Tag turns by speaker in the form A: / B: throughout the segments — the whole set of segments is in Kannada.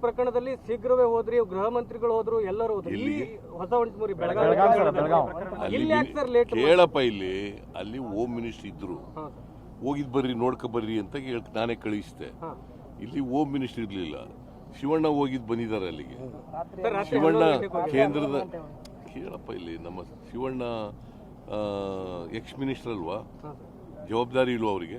A: ಪ್ರಕರಣದಲ್ಲಿ ಶೀಘ್ರವೇ ಹೋದ್ರಿ, ಗೃಹ ಮಂತ್ರಿಗಳು ಹೋದ್ರು, ಎಲ್ಲರೂ ಹೋದ್ರು. ಈ ಹೊಸ ಒಂಟ್ಮೂರಿ ಬೆಳಗಾವಿ ಇಲ್ಲಿ ಯಾಕೆ ಸರ್ ಲೇಟ್?
B: ಕೇಳಪ್ಪ, ಇಲ್ಲಿ ಅಲ್ಲಿ ಹೋಮ್ ಮಿನಿಸ್ಟರ್ ಇದ್ರು, ಹೋಗಿದ್ ಬರ್ರಿ ನೋಡ್ಕೊ ಬರ್ರಿ ಅಂತ ನಾನೇ ಕಳಿಸಿದೆ. ಇಲ್ಲಿ ಹೋಮ್ ಮಿನಿಸ್ಟರ್ ಇರ್ಲಿಲ್ಲ, ಶಿವಣ್ಣ ಹೋಗಿದ್ ಬಂದಿದ್ದಾರೆ ಅಲ್ಲಿಗೆ. ಶಿವಣ್ಣ ಕೇಂದ್ರದ, ಕೇಳಪ್ಪ, ಇಲ್ಲಿ ನಮ್ಮ ಶಿವಣ್ಣ ಎಕ್ಸ್ ಮಿನಿಸ್ಟರ್ ಅಲ್ವಾ, ಜವಾಬ್ದಾರಿ ಇಲ್ವಾ ಅವರಿಗೆ?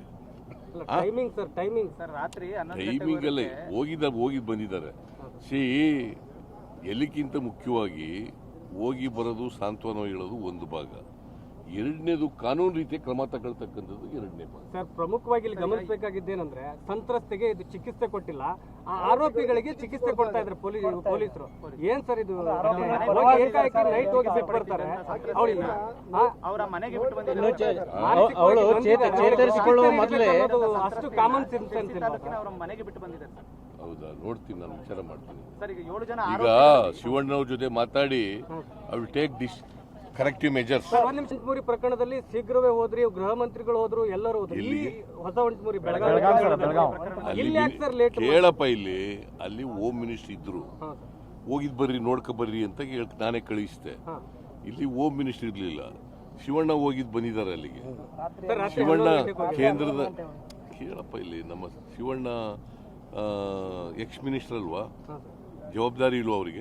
B: ಟೈಮಿಂಗ್ ಅಲ್ಲೇ ಹೋಗಿದ್ ಬಂದಿದ್ದಾರೆ. ಎಲ್ಲಿಗಿಂತ ಮುಖ್ಯವಾಗಿ ಹೋಗಿ ಬರೋದು, ಸಾಂತ್ವನ ಹೇಳೋದು ಒಂದು ಭಾಗ, ಎರಡನೇದು ಕಾನೂನು ರೀತಿಯ ಕ್ರಮ ತಗೊಳ್ತಕ್ಕಂಥದ್ದು ಎರಡನೇ ಭಾಗ.
A: ಸರ್, ಪ್ರಮುಖವಾಗಿ ಇಲ್ಲಿ ಗಮನಿಸಬೇಕಾಗಿದ್ದೇನೆಂದ್ರೆ ಸಂತ್ರಸ್ತೆಗೆ ಇದು ಚಿಕಿತ್ಸೆ ಕೊಟ್ಟಿಲ್ಲ, ಆ ಆರೋಪಿಗಳಿಗೆ ಚಿಕಿತ್ಸೆ ಕೊಡ್ತಾ ಇದ್ದಾರೆ ಪೊಲೀಸರು. ಏನ್ ಸರ್ ಇದು? ಏಕಾಏಕಿ ನೈಟ್ ಹೋಗಿ ಬಿಟ್ಟು ಬರ್ತಾರೆ, ಅವರ ಮನೆಗೆ ಬಿಟ್ಟು ಚೇತರಿಸಿಕೊಳ್ಳುವ ಮೊದಲೇ ಅಷ್ಟು ಕಾಮನ್ ಸೆನ್ಸ್ ಅವರ ಮನೆಗೆ ಬಿಟ್ಟು ಬಂದಿದ್ದಾರೆ.
B: ಹೌದಾ? ನೋಡ್ತೀನಿ, ನಾನು ವಿಚಾರ ಮಾಡ್ತೀನಿ. ಈಗ ಶಿವಣ್ಣವ್ರ ಜೊತೆ ಮಾತಾಡಿ I will take this corrective measures.
A: ಒಂಟ್ಮೂರಿ ಪ್ರಕರಣದಲ್ಲಿ ಶೀಘ್ರವೇ ಹೋದ್ರಿ, ಗೃಹ ಮಂತ್ರಿಗಳು ಹೋದ್ರು, ಎಲ್ಲರೂ ಹೋದ್ರು. ಈ ಹೊಸ ಒಂಟ್ಮೂರಿ ಬೆಳಗಾವಿ ಇಲ್ಲಿ ಯಾಕೆ ಸರ್ ಲೇಟ್?
B: ಕೇಳಪ್ಪ, ಇಲ್ಲಿ ಅಲ್ಲಿ ಹೋಮ್ ಮಿನಿಸ್ಟರ್ ಇದ್ರು, ಹೋಗಿದ್ ಬರ್ರಿ ನೋಡ್ಕೊ ಬರ್ರಿ ಅಂತ ನಾನೇ ಕಳಿಸಿದೆ. ಇಲ್ಲಿ ಹೋಮ್ ಮಿನಿಸ್ಟರ್ ಇರ್ಲಿಲ್ಲ, ಶಿವಣ್ಣ ಹೋಗಿದ್ ಬಂದಿದ್ದಾರೆ ಅಲ್ಲಿಗೆ. ಶಿವಣ್ಣ ಕೇಂದ್ರದ, ಕೇಳಪ್ಪ, ಇಲ್ಲಿ ನಮ್ಮ ಶಿವಣ್ಣ ಎಕ್ಸ್ ಮಿನಿಸ್ಟರ್ ಅಲ್ವಾ, ಜವಾಬ್ದಾರಿ ಇಲ್ವಾ ಅವರಿಗೆ?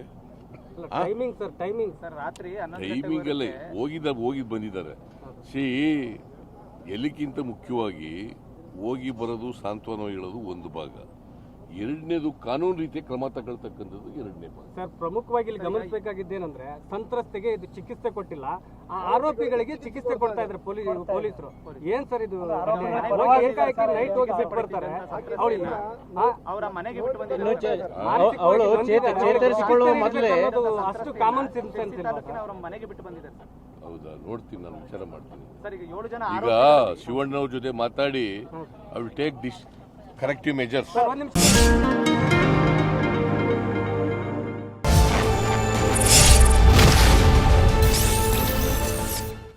B: ಟೈಮಿಂಗ್ ಅಲ್ಲೇ ಹೋಗಿದ್ ಬಂದಿದ್ದಾರೆ. ಎಲ್ಲಿಗಿಂತ ಮುಖ್ಯವಾಗಿ ಹೋಗಿ ಬರೋದು, ಸಾಂತ್ವನ ಹೇಳೋದು ಒಂದು ಭಾಗ, ಎರಡನೇದು ಕಾನೂನು ರೀತಿಯ ಕ್ರಮ ತಗೊಳ್ತಕ್ಕಂಥದ್ದು ಎರಡನೇ ಭಾಗ.
A: ಸರ್, ಪ್ರಮುಖವಾಗಿ ಇಲ್ಲಿ ಗಮನಿಸಬೇಕಾಗಿದ್ದೇನೆಂದ್ರೆ ಸಂತ್ರಸ್ತೆಗೆ ಇದು ಚಿಕಿತ್ಸೆ ಕೊಟ್ಟಿಲ್ಲ, ಆ ಆರೋಪಿಗಳಿಗೆ ಚಿಕಿತ್ಸೆ ಕೊಡ್ತಾ ಇದ್ದಾರೆ ಪೊಲೀಸರು. ಏನ್ ಸರ್ ಇದು? ಏಕಾಏಕಿ ನೈಟ್ ಹೋಗಿ ಬಿಟ್ಟು ಬರ್ತಾರೆ, ಅವರ ಮನೆಗೆ ಬಿಟ್ಟು ಚೇತರಿಸಿಕೊಳ್ಳುವ ಮೊದಲೇ ಅಷ್ಟು ಕಾಮನ್ ಸೆನ್ಸ್ ಅವರ ಮನೆಗೆ ಬಿಟ್ಟು ಬಂದಿದ್ದಾರೆ.
B: ಹೌದಾ? ನೋಡ್ತೀನಿ, ನಾನು ವಿಚಾರ ಮಾಡ್ತೀನಿ. ಈಗ ಶಿವಣ್ಣವ್ರ ಜೊತೆ ಮಾತಾಡಿ I will take this corrective measures.